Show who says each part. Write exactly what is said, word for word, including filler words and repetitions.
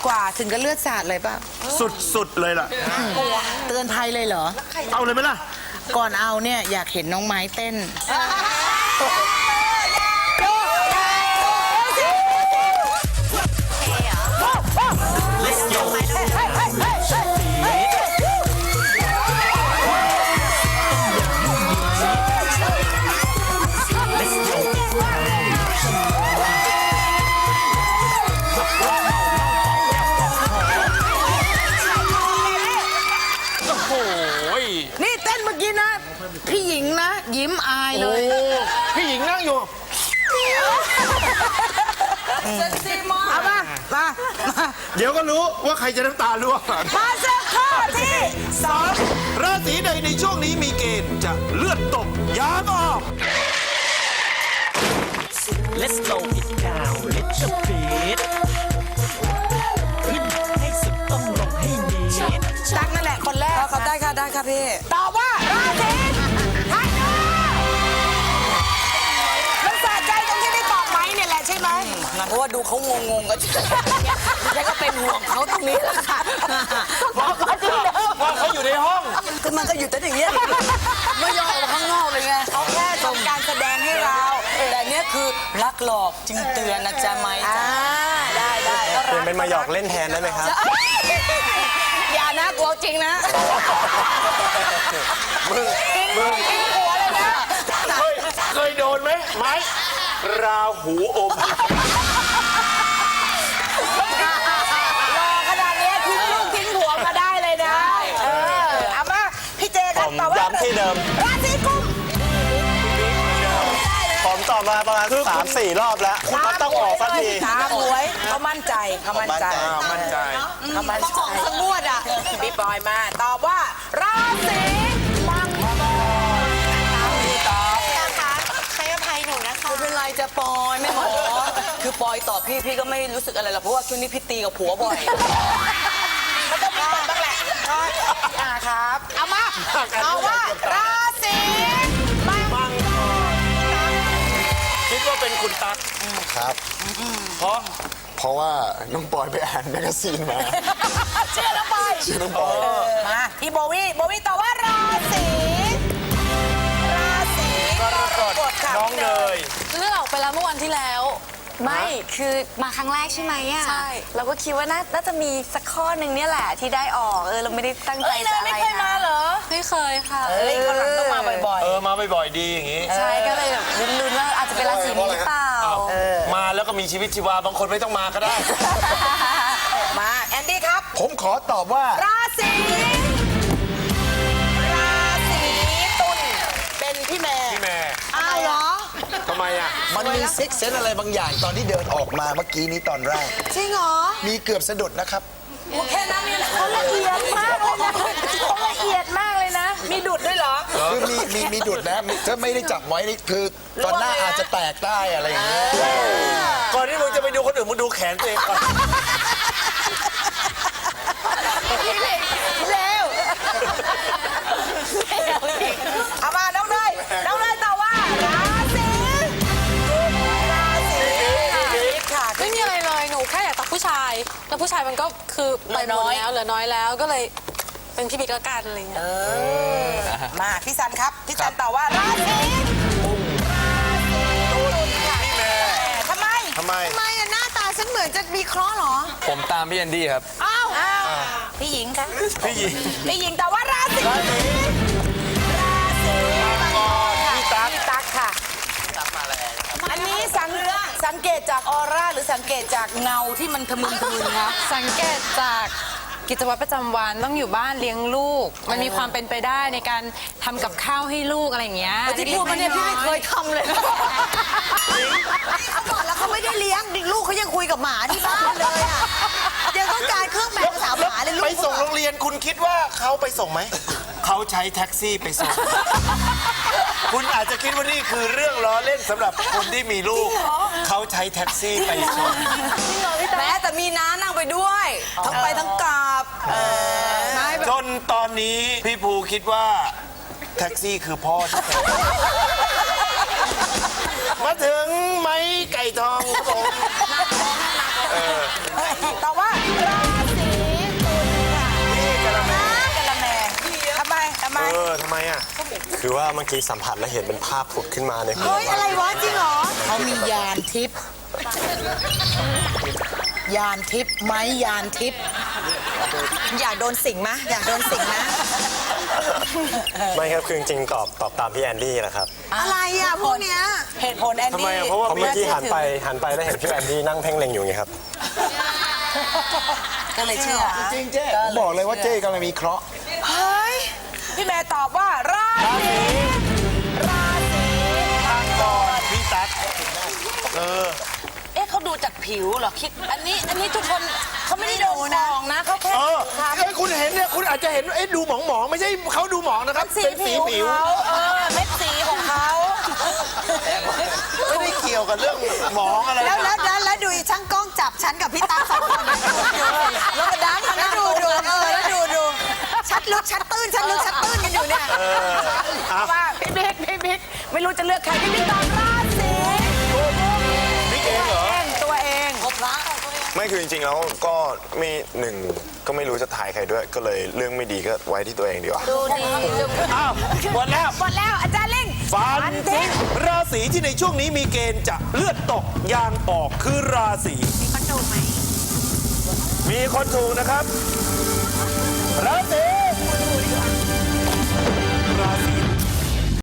Speaker 1: กว่าถึงกับเลือดสาดเลยป่ะ
Speaker 2: สุดๆเลยล่ะ
Speaker 1: เตือนภัยเลยเหรอ
Speaker 2: เอาเลยไหมล่ะ
Speaker 1: ก่อนเอาเนี่ยอยากเห็นน้องไม้เต้น นี่เต้นเมื่อกี้นะ พี่หญิงนะ ยิ้มอายเลย
Speaker 2: โอ้พี่หญิงนั่งอยู่
Speaker 1: เอามามามา
Speaker 2: เดี๋ยวก็รู้ว่าใครจะน้ำตาร่วง
Speaker 1: มาเสื้อข้อที่สอง
Speaker 2: ราศีใดในช่วงนี้มีเกณฑ์จะเลือดตกยางออก
Speaker 3: Let's slow it down little bit ขึ้นให้สุดต้องลงให้นิด
Speaker 1: ตักนั่นแหละคนแรก
Speaker 4: เขาได้ค่ะได้ค่ะพี่
Speaker 1: ตอบว่าราศีธันูมันสะใจตรงที่ได้ตอบไหมเนี่ยแหละใช่ไหม
Speaker 4: เพราะว่าดูเขางงๆก็แล้วก็เป็นห่วงเขาตรงนี้แหละค่ะ
Speaker 1: บอกมาที่เดิม
Speaker 2: ว่าเขาอยู่ในห้อง
Speaker 4: คือมันก็อยู่แต่อย่างเงี้ยไม่ยอมออกมาข้างนอกเลยไงเขาแค่ทำการแสดงให้เรา แต่เนี้ยคือรักหลอกจึงเตือนนะจ๊ะไหม
Speaker 1: อ่า
Speaker 4: จ๊ะ
Speaker 1: ได้ได้
Speaker 5: เปลี่ยนเป็นมาหยอกเล่นแทนได้ไหมครับ
Speaker 4: อย่านะกลัวจริงนะ
Speaker 2: มึง มึง
Speaker 1: หัวเลยนะ
Speaker 2: เคยเคยโดนไหมไม้ราหูอม
Speaker 1: รอขนาดนี้ทิ้งลูกทิ้งหัวมาได้เลยนะ เออเอามาพี่เจครับ
Speaker 5: ผม
Speaker 1: ตอบว่า
Speaker 5: ย้ำที่เดิม
Speaker 1: ราศีกุม
Speaker 5: ผมตอบมาประมาณสามสี่รอบแล้ว คุณก็ต้องออกสักที
Speaker 4: ตามหวยเขามั่นใจเขามั่นใจ
Speaker 2: อ้าวมั่นใจ
Speaker 4: เขามั่นใจ
Speaker 1: สมวดอ่ะพี่ปอยมาตอบว่า ราศีมังกรตามที่ตอบ
Speaker 6: นะคะให้อภัยหนูนะคะ
Speaker 4: ไม่เป็นไรจะปอยไม่หมอคือปอยตอบพี่พี่ก็ไม่รู้สึกอะไรหรอกเพราะว่าช่วงนี้พี่ตีกับผัวบ่อย
Speaker 1: มันต้องมีคนบ้างแหละอ่าครับ เอามาเอาว่า ราศีมังกร
Speaker 2: คิดว่าเป็นคุณตั๊ก
Speaker 5: ครับ
Speaker 2: เพราะ
Speaker 5: เพราะว่าน้องปอยไปอ่านแมกกาซีนมา
Speaker 1: เชื่อน้องปอย
Speaker 5: ชื่อน้องปอย
Speaker 1: มาพี่โบวี่โบวี่ตอบว่าราศีราศีกรกฎค่ะ
Speaker 2: น้องเนย
Speaker 6: เลือกออกไปแล้วเมื่อวันที่แล้ว ไม่ คือมาครั้งแรกใช่ไหมอ่ะ ใช่ เราก็คิดว่าน่าน่าจะมีสักข้อหนึ่งเนี่ยแหละที่ได้ออก เออ เราไม่ได้ตั้งใจ
Speaker 1: เอ้ยเน
Speaker 6: จะ
Speaker 1: ย
Speaker 6: อะไร
Speaker 1: ไม่เคยมาเหรอ
Speaker 6: ไม่เคยค่ะ
Speaker 1: เอ้ยคนหลังต้องมาบ่อย
Speaker 2: เออ มาบ่อยๆดีอย่างงี้
Speaker 6: ใช่ ก็เลยแบบลุ้นๆว่าอาจจะเป็นราศีนี้หรือเปล่า
Speaker 2: มาแล้วก็มีชีวิตชีวา บางคนไม่ต้องมาก็ได้
Speaker 1: ๆ มาแอนดี้ครับ
Speaker 5: ผมขอตอบว่า
Speaker 1: ราศีราศีตุลเป็นพี่แม่
Speaker 2: พี่แม่
Speaker 1: อ้าวเหรอ
Speaker 2: ทำไมอ่ะ
Speaker 5: มันมีซิกเซนอะไรบางอย่างตอนที่เดินออกมาเมื่อกี้นี้ตอนแรก
Speaker 1: จริงเหรอ
Speaker 5: มีเกือบสะดุดนะครับ
Speaker 1: แค่นั้นนี่แหละเขาละเอียดมากเลยนะเขาละเอียดมากเลยนะ มีดุดด้วยเหรอ
Speaker 5: คือมีมีมีดุดนะถ้าไม่ได้จับไว้นี่คือตอนหน้าอาจจะแตกได้อะไรอย่างเงี้ย
Speaker 2: ก่อนที่มึงจะไปดูคนอื่นมึงดูแขนตัวเองก่อน
Speaker 1: เร็วเอามาน้องเนยน้องเนยตอบว่าราศีราศีค่ะ
Speaker 6: ไม่มีอะไรเลย หนูแค่อยากตักผู้ชาย แล้วผู้ชายมันก็คือไปหมดแล้วเหลือน้อยแล้ว ก็เลยเป็นพี่บิ๊กละกันอะไรเงี้ย
Speaker 1: มาพี่ซันครับ พี่ซันตอบว่าราศีราศีตุลค่ะพี่แม่ทำไม
Speaker 2: ทำไม
Speaker 1: ทำไมอะหน้าตาฉันเหมือนจะมีเคราะห์เหรอ
Speaker 5: ผมตามพี่แอนดี้ครับ
Speaker 1: อ้าวอ้าวพี่หญิงคะ
Speaker 2: พี่หญิง
Speaker 1: พี่หญิงตอบว่าราศีราศีมังกรค่ะ
Speaker 2: พี่ตั๊ก
Speaker 1: พี่ตั๊กค่ะ อันนี้สังสังเกตจากออร่าหรือสังเกตจากเงาที่มันทะมึนทะมึนคะ
Speaker 7: สังเกตจากกิจวัตรประจำวันต้องอยู่บ้านเลี้ยงลูก มันมีความเป็นไปได้ในการทำกับข้าวให้ลูกอะไรอย่างเงี้ย
Speaker 4: ที่พูดมาเนี่ยพี่ไม่เคยทำเลยเขาบอกแล้วเขาไม่ได้เลี้ยงลูกเขายังคุยกับหมาที่บ้านเลยอ่ะยังต้องการเครื่องแปลภาษาหมาเลยลูก
Speaker 2: ไปส่งโรงเรียนคุณคิดว่าเขาไปส่งไหม เขาใช้แท็กซี่ไปส่ง คุณอาจจะคิดว่านี่คือเรื่องล้อเล่นสำหรับคนที่มีลูก เขาใช้แท็กซี่ไปส่ง
Speaker 4: แม้แต่มีน้านั่งไปด้วยทั้งไปทั้งกลับ
Speaker 2: จนตอนนี้พี่ภูคิดว่าแท็กซี่คือพ่อที่แท้มาถึงไม้ไก่ทองครับผม
Speaker 1: ตอบว่ารา
Speaker 2: อทำไมอ่ะ
Speaker 8: คือว่าเมื่อกี้สัมผัสและเห็นเป็นภาพผุดขึ้นมาในหัว
Speaker 1: เฮ้ย อะไรวะ จริงเหรอ
Speaker 4: เขามียานทิพย์ยานทิพย์ไหมยานทิพย์
Speaker 1: อยากโดนสิงไหมอยากโดนสิงไหม
Speaker 8: ไม่ครับคือจริงๆตอบตอบตามพี่แอนดี้แหละครับ
Speaker 1: อะไรอ่ะพวกเนี้ย
Speaker 4: เหตุผลแอน
Speaker 2: ทำไม
Speaker 4: ดี้
Speaker 2: อ่ะเพราะว่า
Speaker 8: เพราะเมื่อกี้หันไปหันไปแล้วเห็นพี่แอนดี้นั่งเพ่งเล็งอยู่ไงครับ
Speaker 4: ก็เลยเชื่อ
Speaker 5: จริงเจ๊ผมบอกเลยว่าเจ๊กำลังมีเคราะห์
Speaker 1: เฮ้ย
Speaker 4: พี่แม่ตอบว่าราศีราศี
Speaker 2: ก่อนพี่ตั๊กเออ
Speaker 4: เอ๊ะเขาดูจากผิวเหรอคิดอันนี้อันนี้ทุกคนเขาไม่ได้โดนมองนะเขาแค่
Speaker 2: เออเอ้ยคุณเห็นเนี่ยคุณอาจจะเห็นเอ๊ะดูหมองหมองๆไม่ใช่เขาดูหมองนะครับ
Speaker 4: สี
Speaker 2: เป็นสี
Speaker 4: ผิว
Speaker 2: ผิว
Speaker 4: เขาเออเม็ดสีของเขา
Speaker 2: ไม่ได้เกี่ยวกับเรื่องหมองอะไร
Speaker 1: แล้ว
Speaker 2: นะ
Speaker 1: แล้วแล้วแล้วดูอีช่างกล้องจับฉันกับพี่ตาสองคนนะแล้วก็ดันแล้วดูดูเออแล้วดูดูชัดลึกชัดตื้นชัดลึกชัดตื้นกันอยู่เนี่ย
Speaker 4: ว่าพี่บิ๊กพี่บิ๊กไม่รู้จะเลือกใครพี่บิ๊กตอบราศี
Speaker 2: นี่เองเหรอ
Speaker 4: เองตัวเองพบพระ
Speaker 8: ไม่คือจริงๆแล้วก็ไม่หนึ่งก็ไม่รู้จะถ่ายใครด้วย ก็เลยเรื่องไม่ดีก็ไว้ที่ตัวเองดีกว่า
Speaker 4: ดูดี
Speaker 2: อ้าวหมดแล้ว
Speaker 1: หมดแล้วอาจารย์ลิง
Speaker 2: ฟันทิ้งราศีที่ในช่วงนี้มีเกณฑ์จะเลือดตกยางออกคือราศีมีคนถูกไหมมีคนถูกนะครับ ราศี